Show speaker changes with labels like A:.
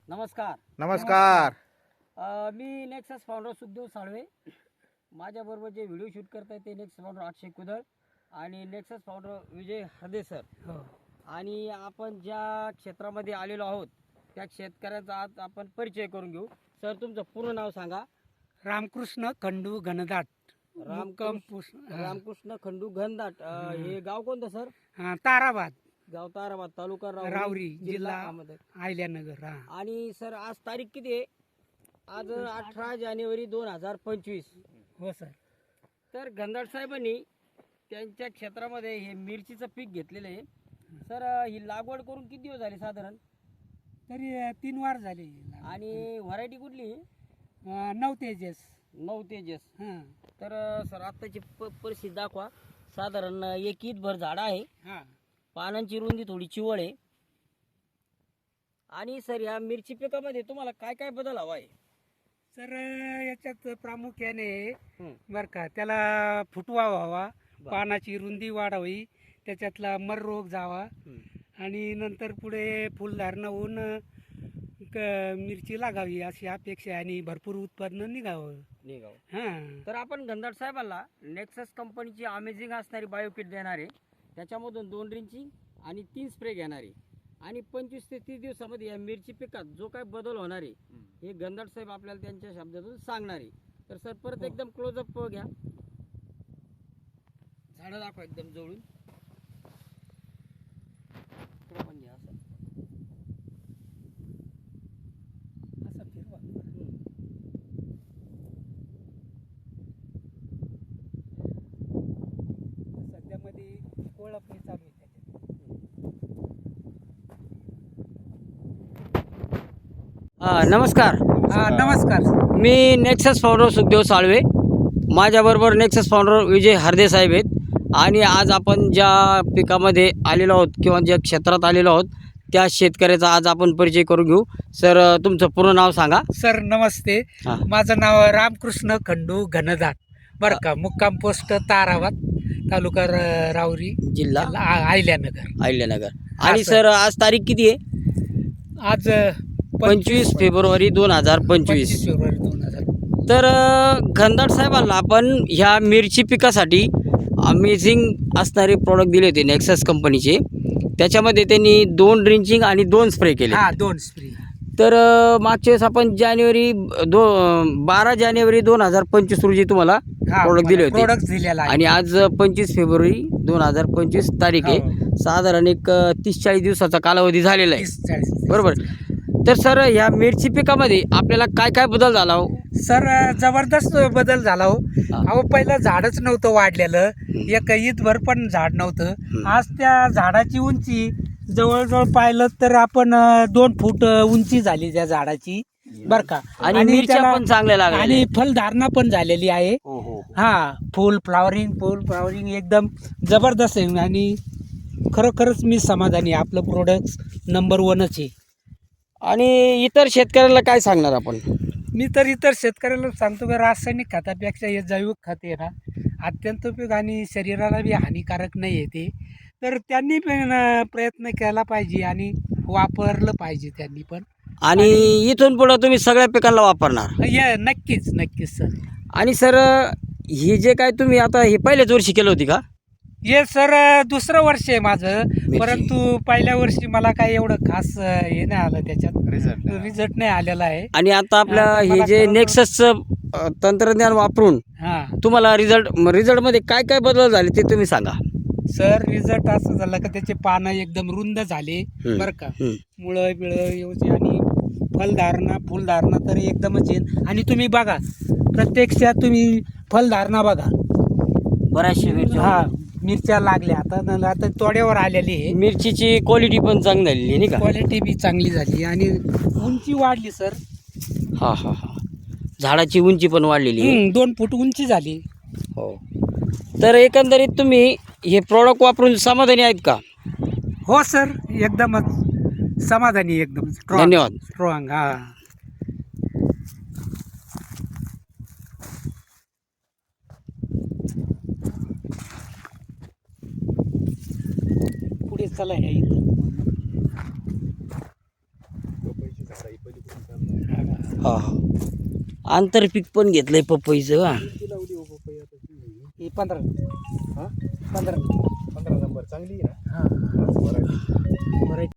A: नमस्कार.
B: नमस्कार.
A: मी नेक्सस फाउंडर सुखदेव साळवे. माझ्याबरोबर जे व्हिडिओ शूट करतायत ते नेक्सस फाउंडर अक्षय कुदळ आणि Nexus founder Vijay Harde sir. आणि आपण ज्या क्षेत्रामध्ये आलेलो आहोत त्या शेतकऱ्याचा आज आपण परिचय करून घेऊ. सर, तुमचं पूर्ण नाव सांगा.
C: रामकृष्ण खंडू घनदाट.
A: रामकृष्ण खंडू घनदाट. हे गाव कोणतं सर?
C: ताराबाद,
A: गाव ताराबाद, तालुका
C: रावरी, जिल्हा
A: अहमदनगर.
C: आयल्यानगर.
A: आणि सर, आज तारीख किती आहे? आज 18 जानेवारी 2025.
C: हो सर.
A: तर घनदाट साहेबांनी त्यांच्या क्षेत्रामध्ये हे मिरचीचं पीक घेतलेलं आहे. सर, ही लागवड करून किती दिवस झाले साधारण?
C: तरी 3 वार झाले.
A: आणि व्हरायटी कुठली?
C: 9 तेजस.
A: 9 तेजस.
C: हां
A: तर सर, आत्ताची परिस्थिती दाखवा. साधारण एक ईदभर झाड आहे.
C: हां
A: पानांची रुंदी थोडी चिवळ आहे. आणि सर, या मिरची पिकामध्ये तुम्हाला काय काय बदल हवा आहे?
C: सर, याच्यात प्रामुख्याने
A: हं.
C: बर का त्याला फुटवा व्हावा, पानाची रुंदी वाढावी, त्याच्यातला मर रोग जावा आणि नंतर पुढे फुलधारणा होऊन मिरची लागावी अशी अपेक्षा आहे आणि भरपूर उत्पन्न निघावं. हां.
A: तर आपण घनदाट साहेबांना नेक्सस कंपनीची अमेझिंग असणारी बायोकिट देणार आहे. त्याच्यामधून 2 ड्रिंचिंग आणि 3 स्प्रे घेणार आहे. आणि 25 ते 30 दिवसामध्ये या मिरची पिकात जो काय बदल होणार आहे हे घनदाट साहेब आपल्याला त्यांच्या शब्दातून सांगणार आहे. तर सर, परत एकदम क्लोजअप घ्या. झाडं दाखवा एकदम जवळून. पुढं पण घ्या असं.
C: असं फिरवा. सध्यामध्ये कोळपणी चालू आहे त्याच्यात.
A: नमस्कार.
C: नमस्कार.
A: मी नेक्सस फाउंडर सुखदेव साळवे. माझ्याबरोबर नेक्सस फाउंडर विजय हरदे साहेब आहेत. आणि आज आपण ज्या पिकामध्ये आलेलो आहोत किंवा ज्या क्षेत्रात आलेलो आहोत त्या शेतकऱ्याचा आज आपण परिचय करून घेऊ. सर, तुमचं पूर्ण नाव सांगा.
C: सर नमस्ते.
A: हां.
C: माझं नाव रामकृष्ण खंडू घनदाट बरं का. मुक्काम पोस्ट ताराबाद, तालुका रावरी,
A: जिल्हा
C: आयल्यानगर.
A: अहिल्यानगर.
C: हां,
A: आणि
C: सर.
A: सर, आज तारीख किती आहे?
C: आज
A: 25 फेब्रुवारी 2025.
C: 25 फेब्रुवारी 2000.
A: तर घनदाट साहेबांना आपण ह्या मिरची पिकासाठी अमेझिंग असणारे प्रॉडक्ट दिले होते नेक्सस कंपनीचे. त्याच्यामध्ये त्यांनी 2 ड्रिंचिंग आणि 2 स्प्रे केले.
C: 2 स्प्रे.
A: तर मागच्या वेळेस आपण 12 जानेवारी 2025 रोजी तुम्हाला प्रोडक्ट दिले होते.
C: प्रोडक्ट दिलेला आहे.
A: आणि आज 25 फेब्रुवारी 2025 तारीख आहे.
C: हो.
A: साधारण एक 30-40 दिवसाचा कालावधी झालेला आहे.
C: 30-40.
A: बरोबर. तर सर, ह्या मिरची पिकामध्ये आपल्याला काय काय बदल झाला हो?
C: सर, जबरदस्त बदल झाला हो.
A: हा.
C: अहो, पहिलं झाडच नव्हतं वाढलेलं. एक ईदभर पण झाड नव्हतं. आज त्या झाडाची उंची जवळजवळ पाहिलं तर आपण 2 फूट उंची झाली त्या झाडाची बर का.
A: आणि मिरच्या
C: त्याला-
A: पण चांगल्या लागल्या.
C: आणि फलधारणा पण झालेली आहे.
A: हो.
C: फुल फ्लावरिंग एकदम जबरदस्त आहे. आणि खरोखरच मी समाधानी आहे. आपलं प्रोडक्ट नंबर 1च आहे.
A: आणि इतर शेतकऱ्याला काय सांगणार आपण?
C: मी तर इतर शेतकऱ्याला सांगतो की रासायनिक खतापेक्षा हे जैविक खत आहे ना अत्यंत उपयोग आणि शरीराला बी हानिकारक नाही आहे ते. तर त्यांनी पण प्रयत्न केला पाहिजे आणि वापरलं पाहिजे त्यांनी पण.
A: आणि इथून पुढे तुम्ही सगळ्या पिकांना वापरणार?
C: नक्कीच सर.
A: आणि सर, ही जे काय तुम्ही आता हे पहिल्याच वर्षी केलं होती का?
C: हे सर दुसरं वर्ष आहे माझं. परंतु पहिल्या वर्षी मला काही एवढं खास हे नाही आलं, त्याच्यात रिझल्ट नाही आलेला आहे.
A: आणि आता आपल्या
C: आता
A: हे
C: मला
A: जे
C: खरोखर-
A: नेक्ससचं तंत्रज्ञान वापरून तुम्हाला रिझल्टमध्ये काय काय बदल झाले ते तुम्ही सांगा.
C: सर, रिझल्ट असं झालं का त्याचे पानं एकदम रुंद झाले बरं का.
A: हं.
C: मुळं बिळं व्यवस्थित आणि फुलधारणा तर एकदमच येईल. आणि तुम्ही बघा प्रत्यक्षात तुम्ही फलधारणा बघा.
A: बऱ्याचशा
C: मिरच्या लागल्या आता तोड्यावर आलेली आहे.
A: मिरचीची क्वालिटी पण चांगली झालेली आहे, नाही का?
C: क्वालिटी बी चांगली झाली आणि उंची वाढली सर.
A: हा. झाडाची उंची पण वाढलेली आहे.
C: 2 फूट उंची झाली.
A: हो. तर एकंदरीत तुम्ही हे प्रॉडक्ट वापरून समाधानी आहेत का?
C: हो सर, एकदमच समाधानी, एकदम
A: धन्यवाद.
C: स्ट्रॉंग. पुढे चला.
A: हा आंतरपीक पण घेतलंय पपईचं. हा
B: किती लावली हो पपई आता ती?
C: ही 15
B: हा
C: 15
B: 15 नंबर चांगली आहे ना?
C: हा
B: बरं आहे.
C: बरं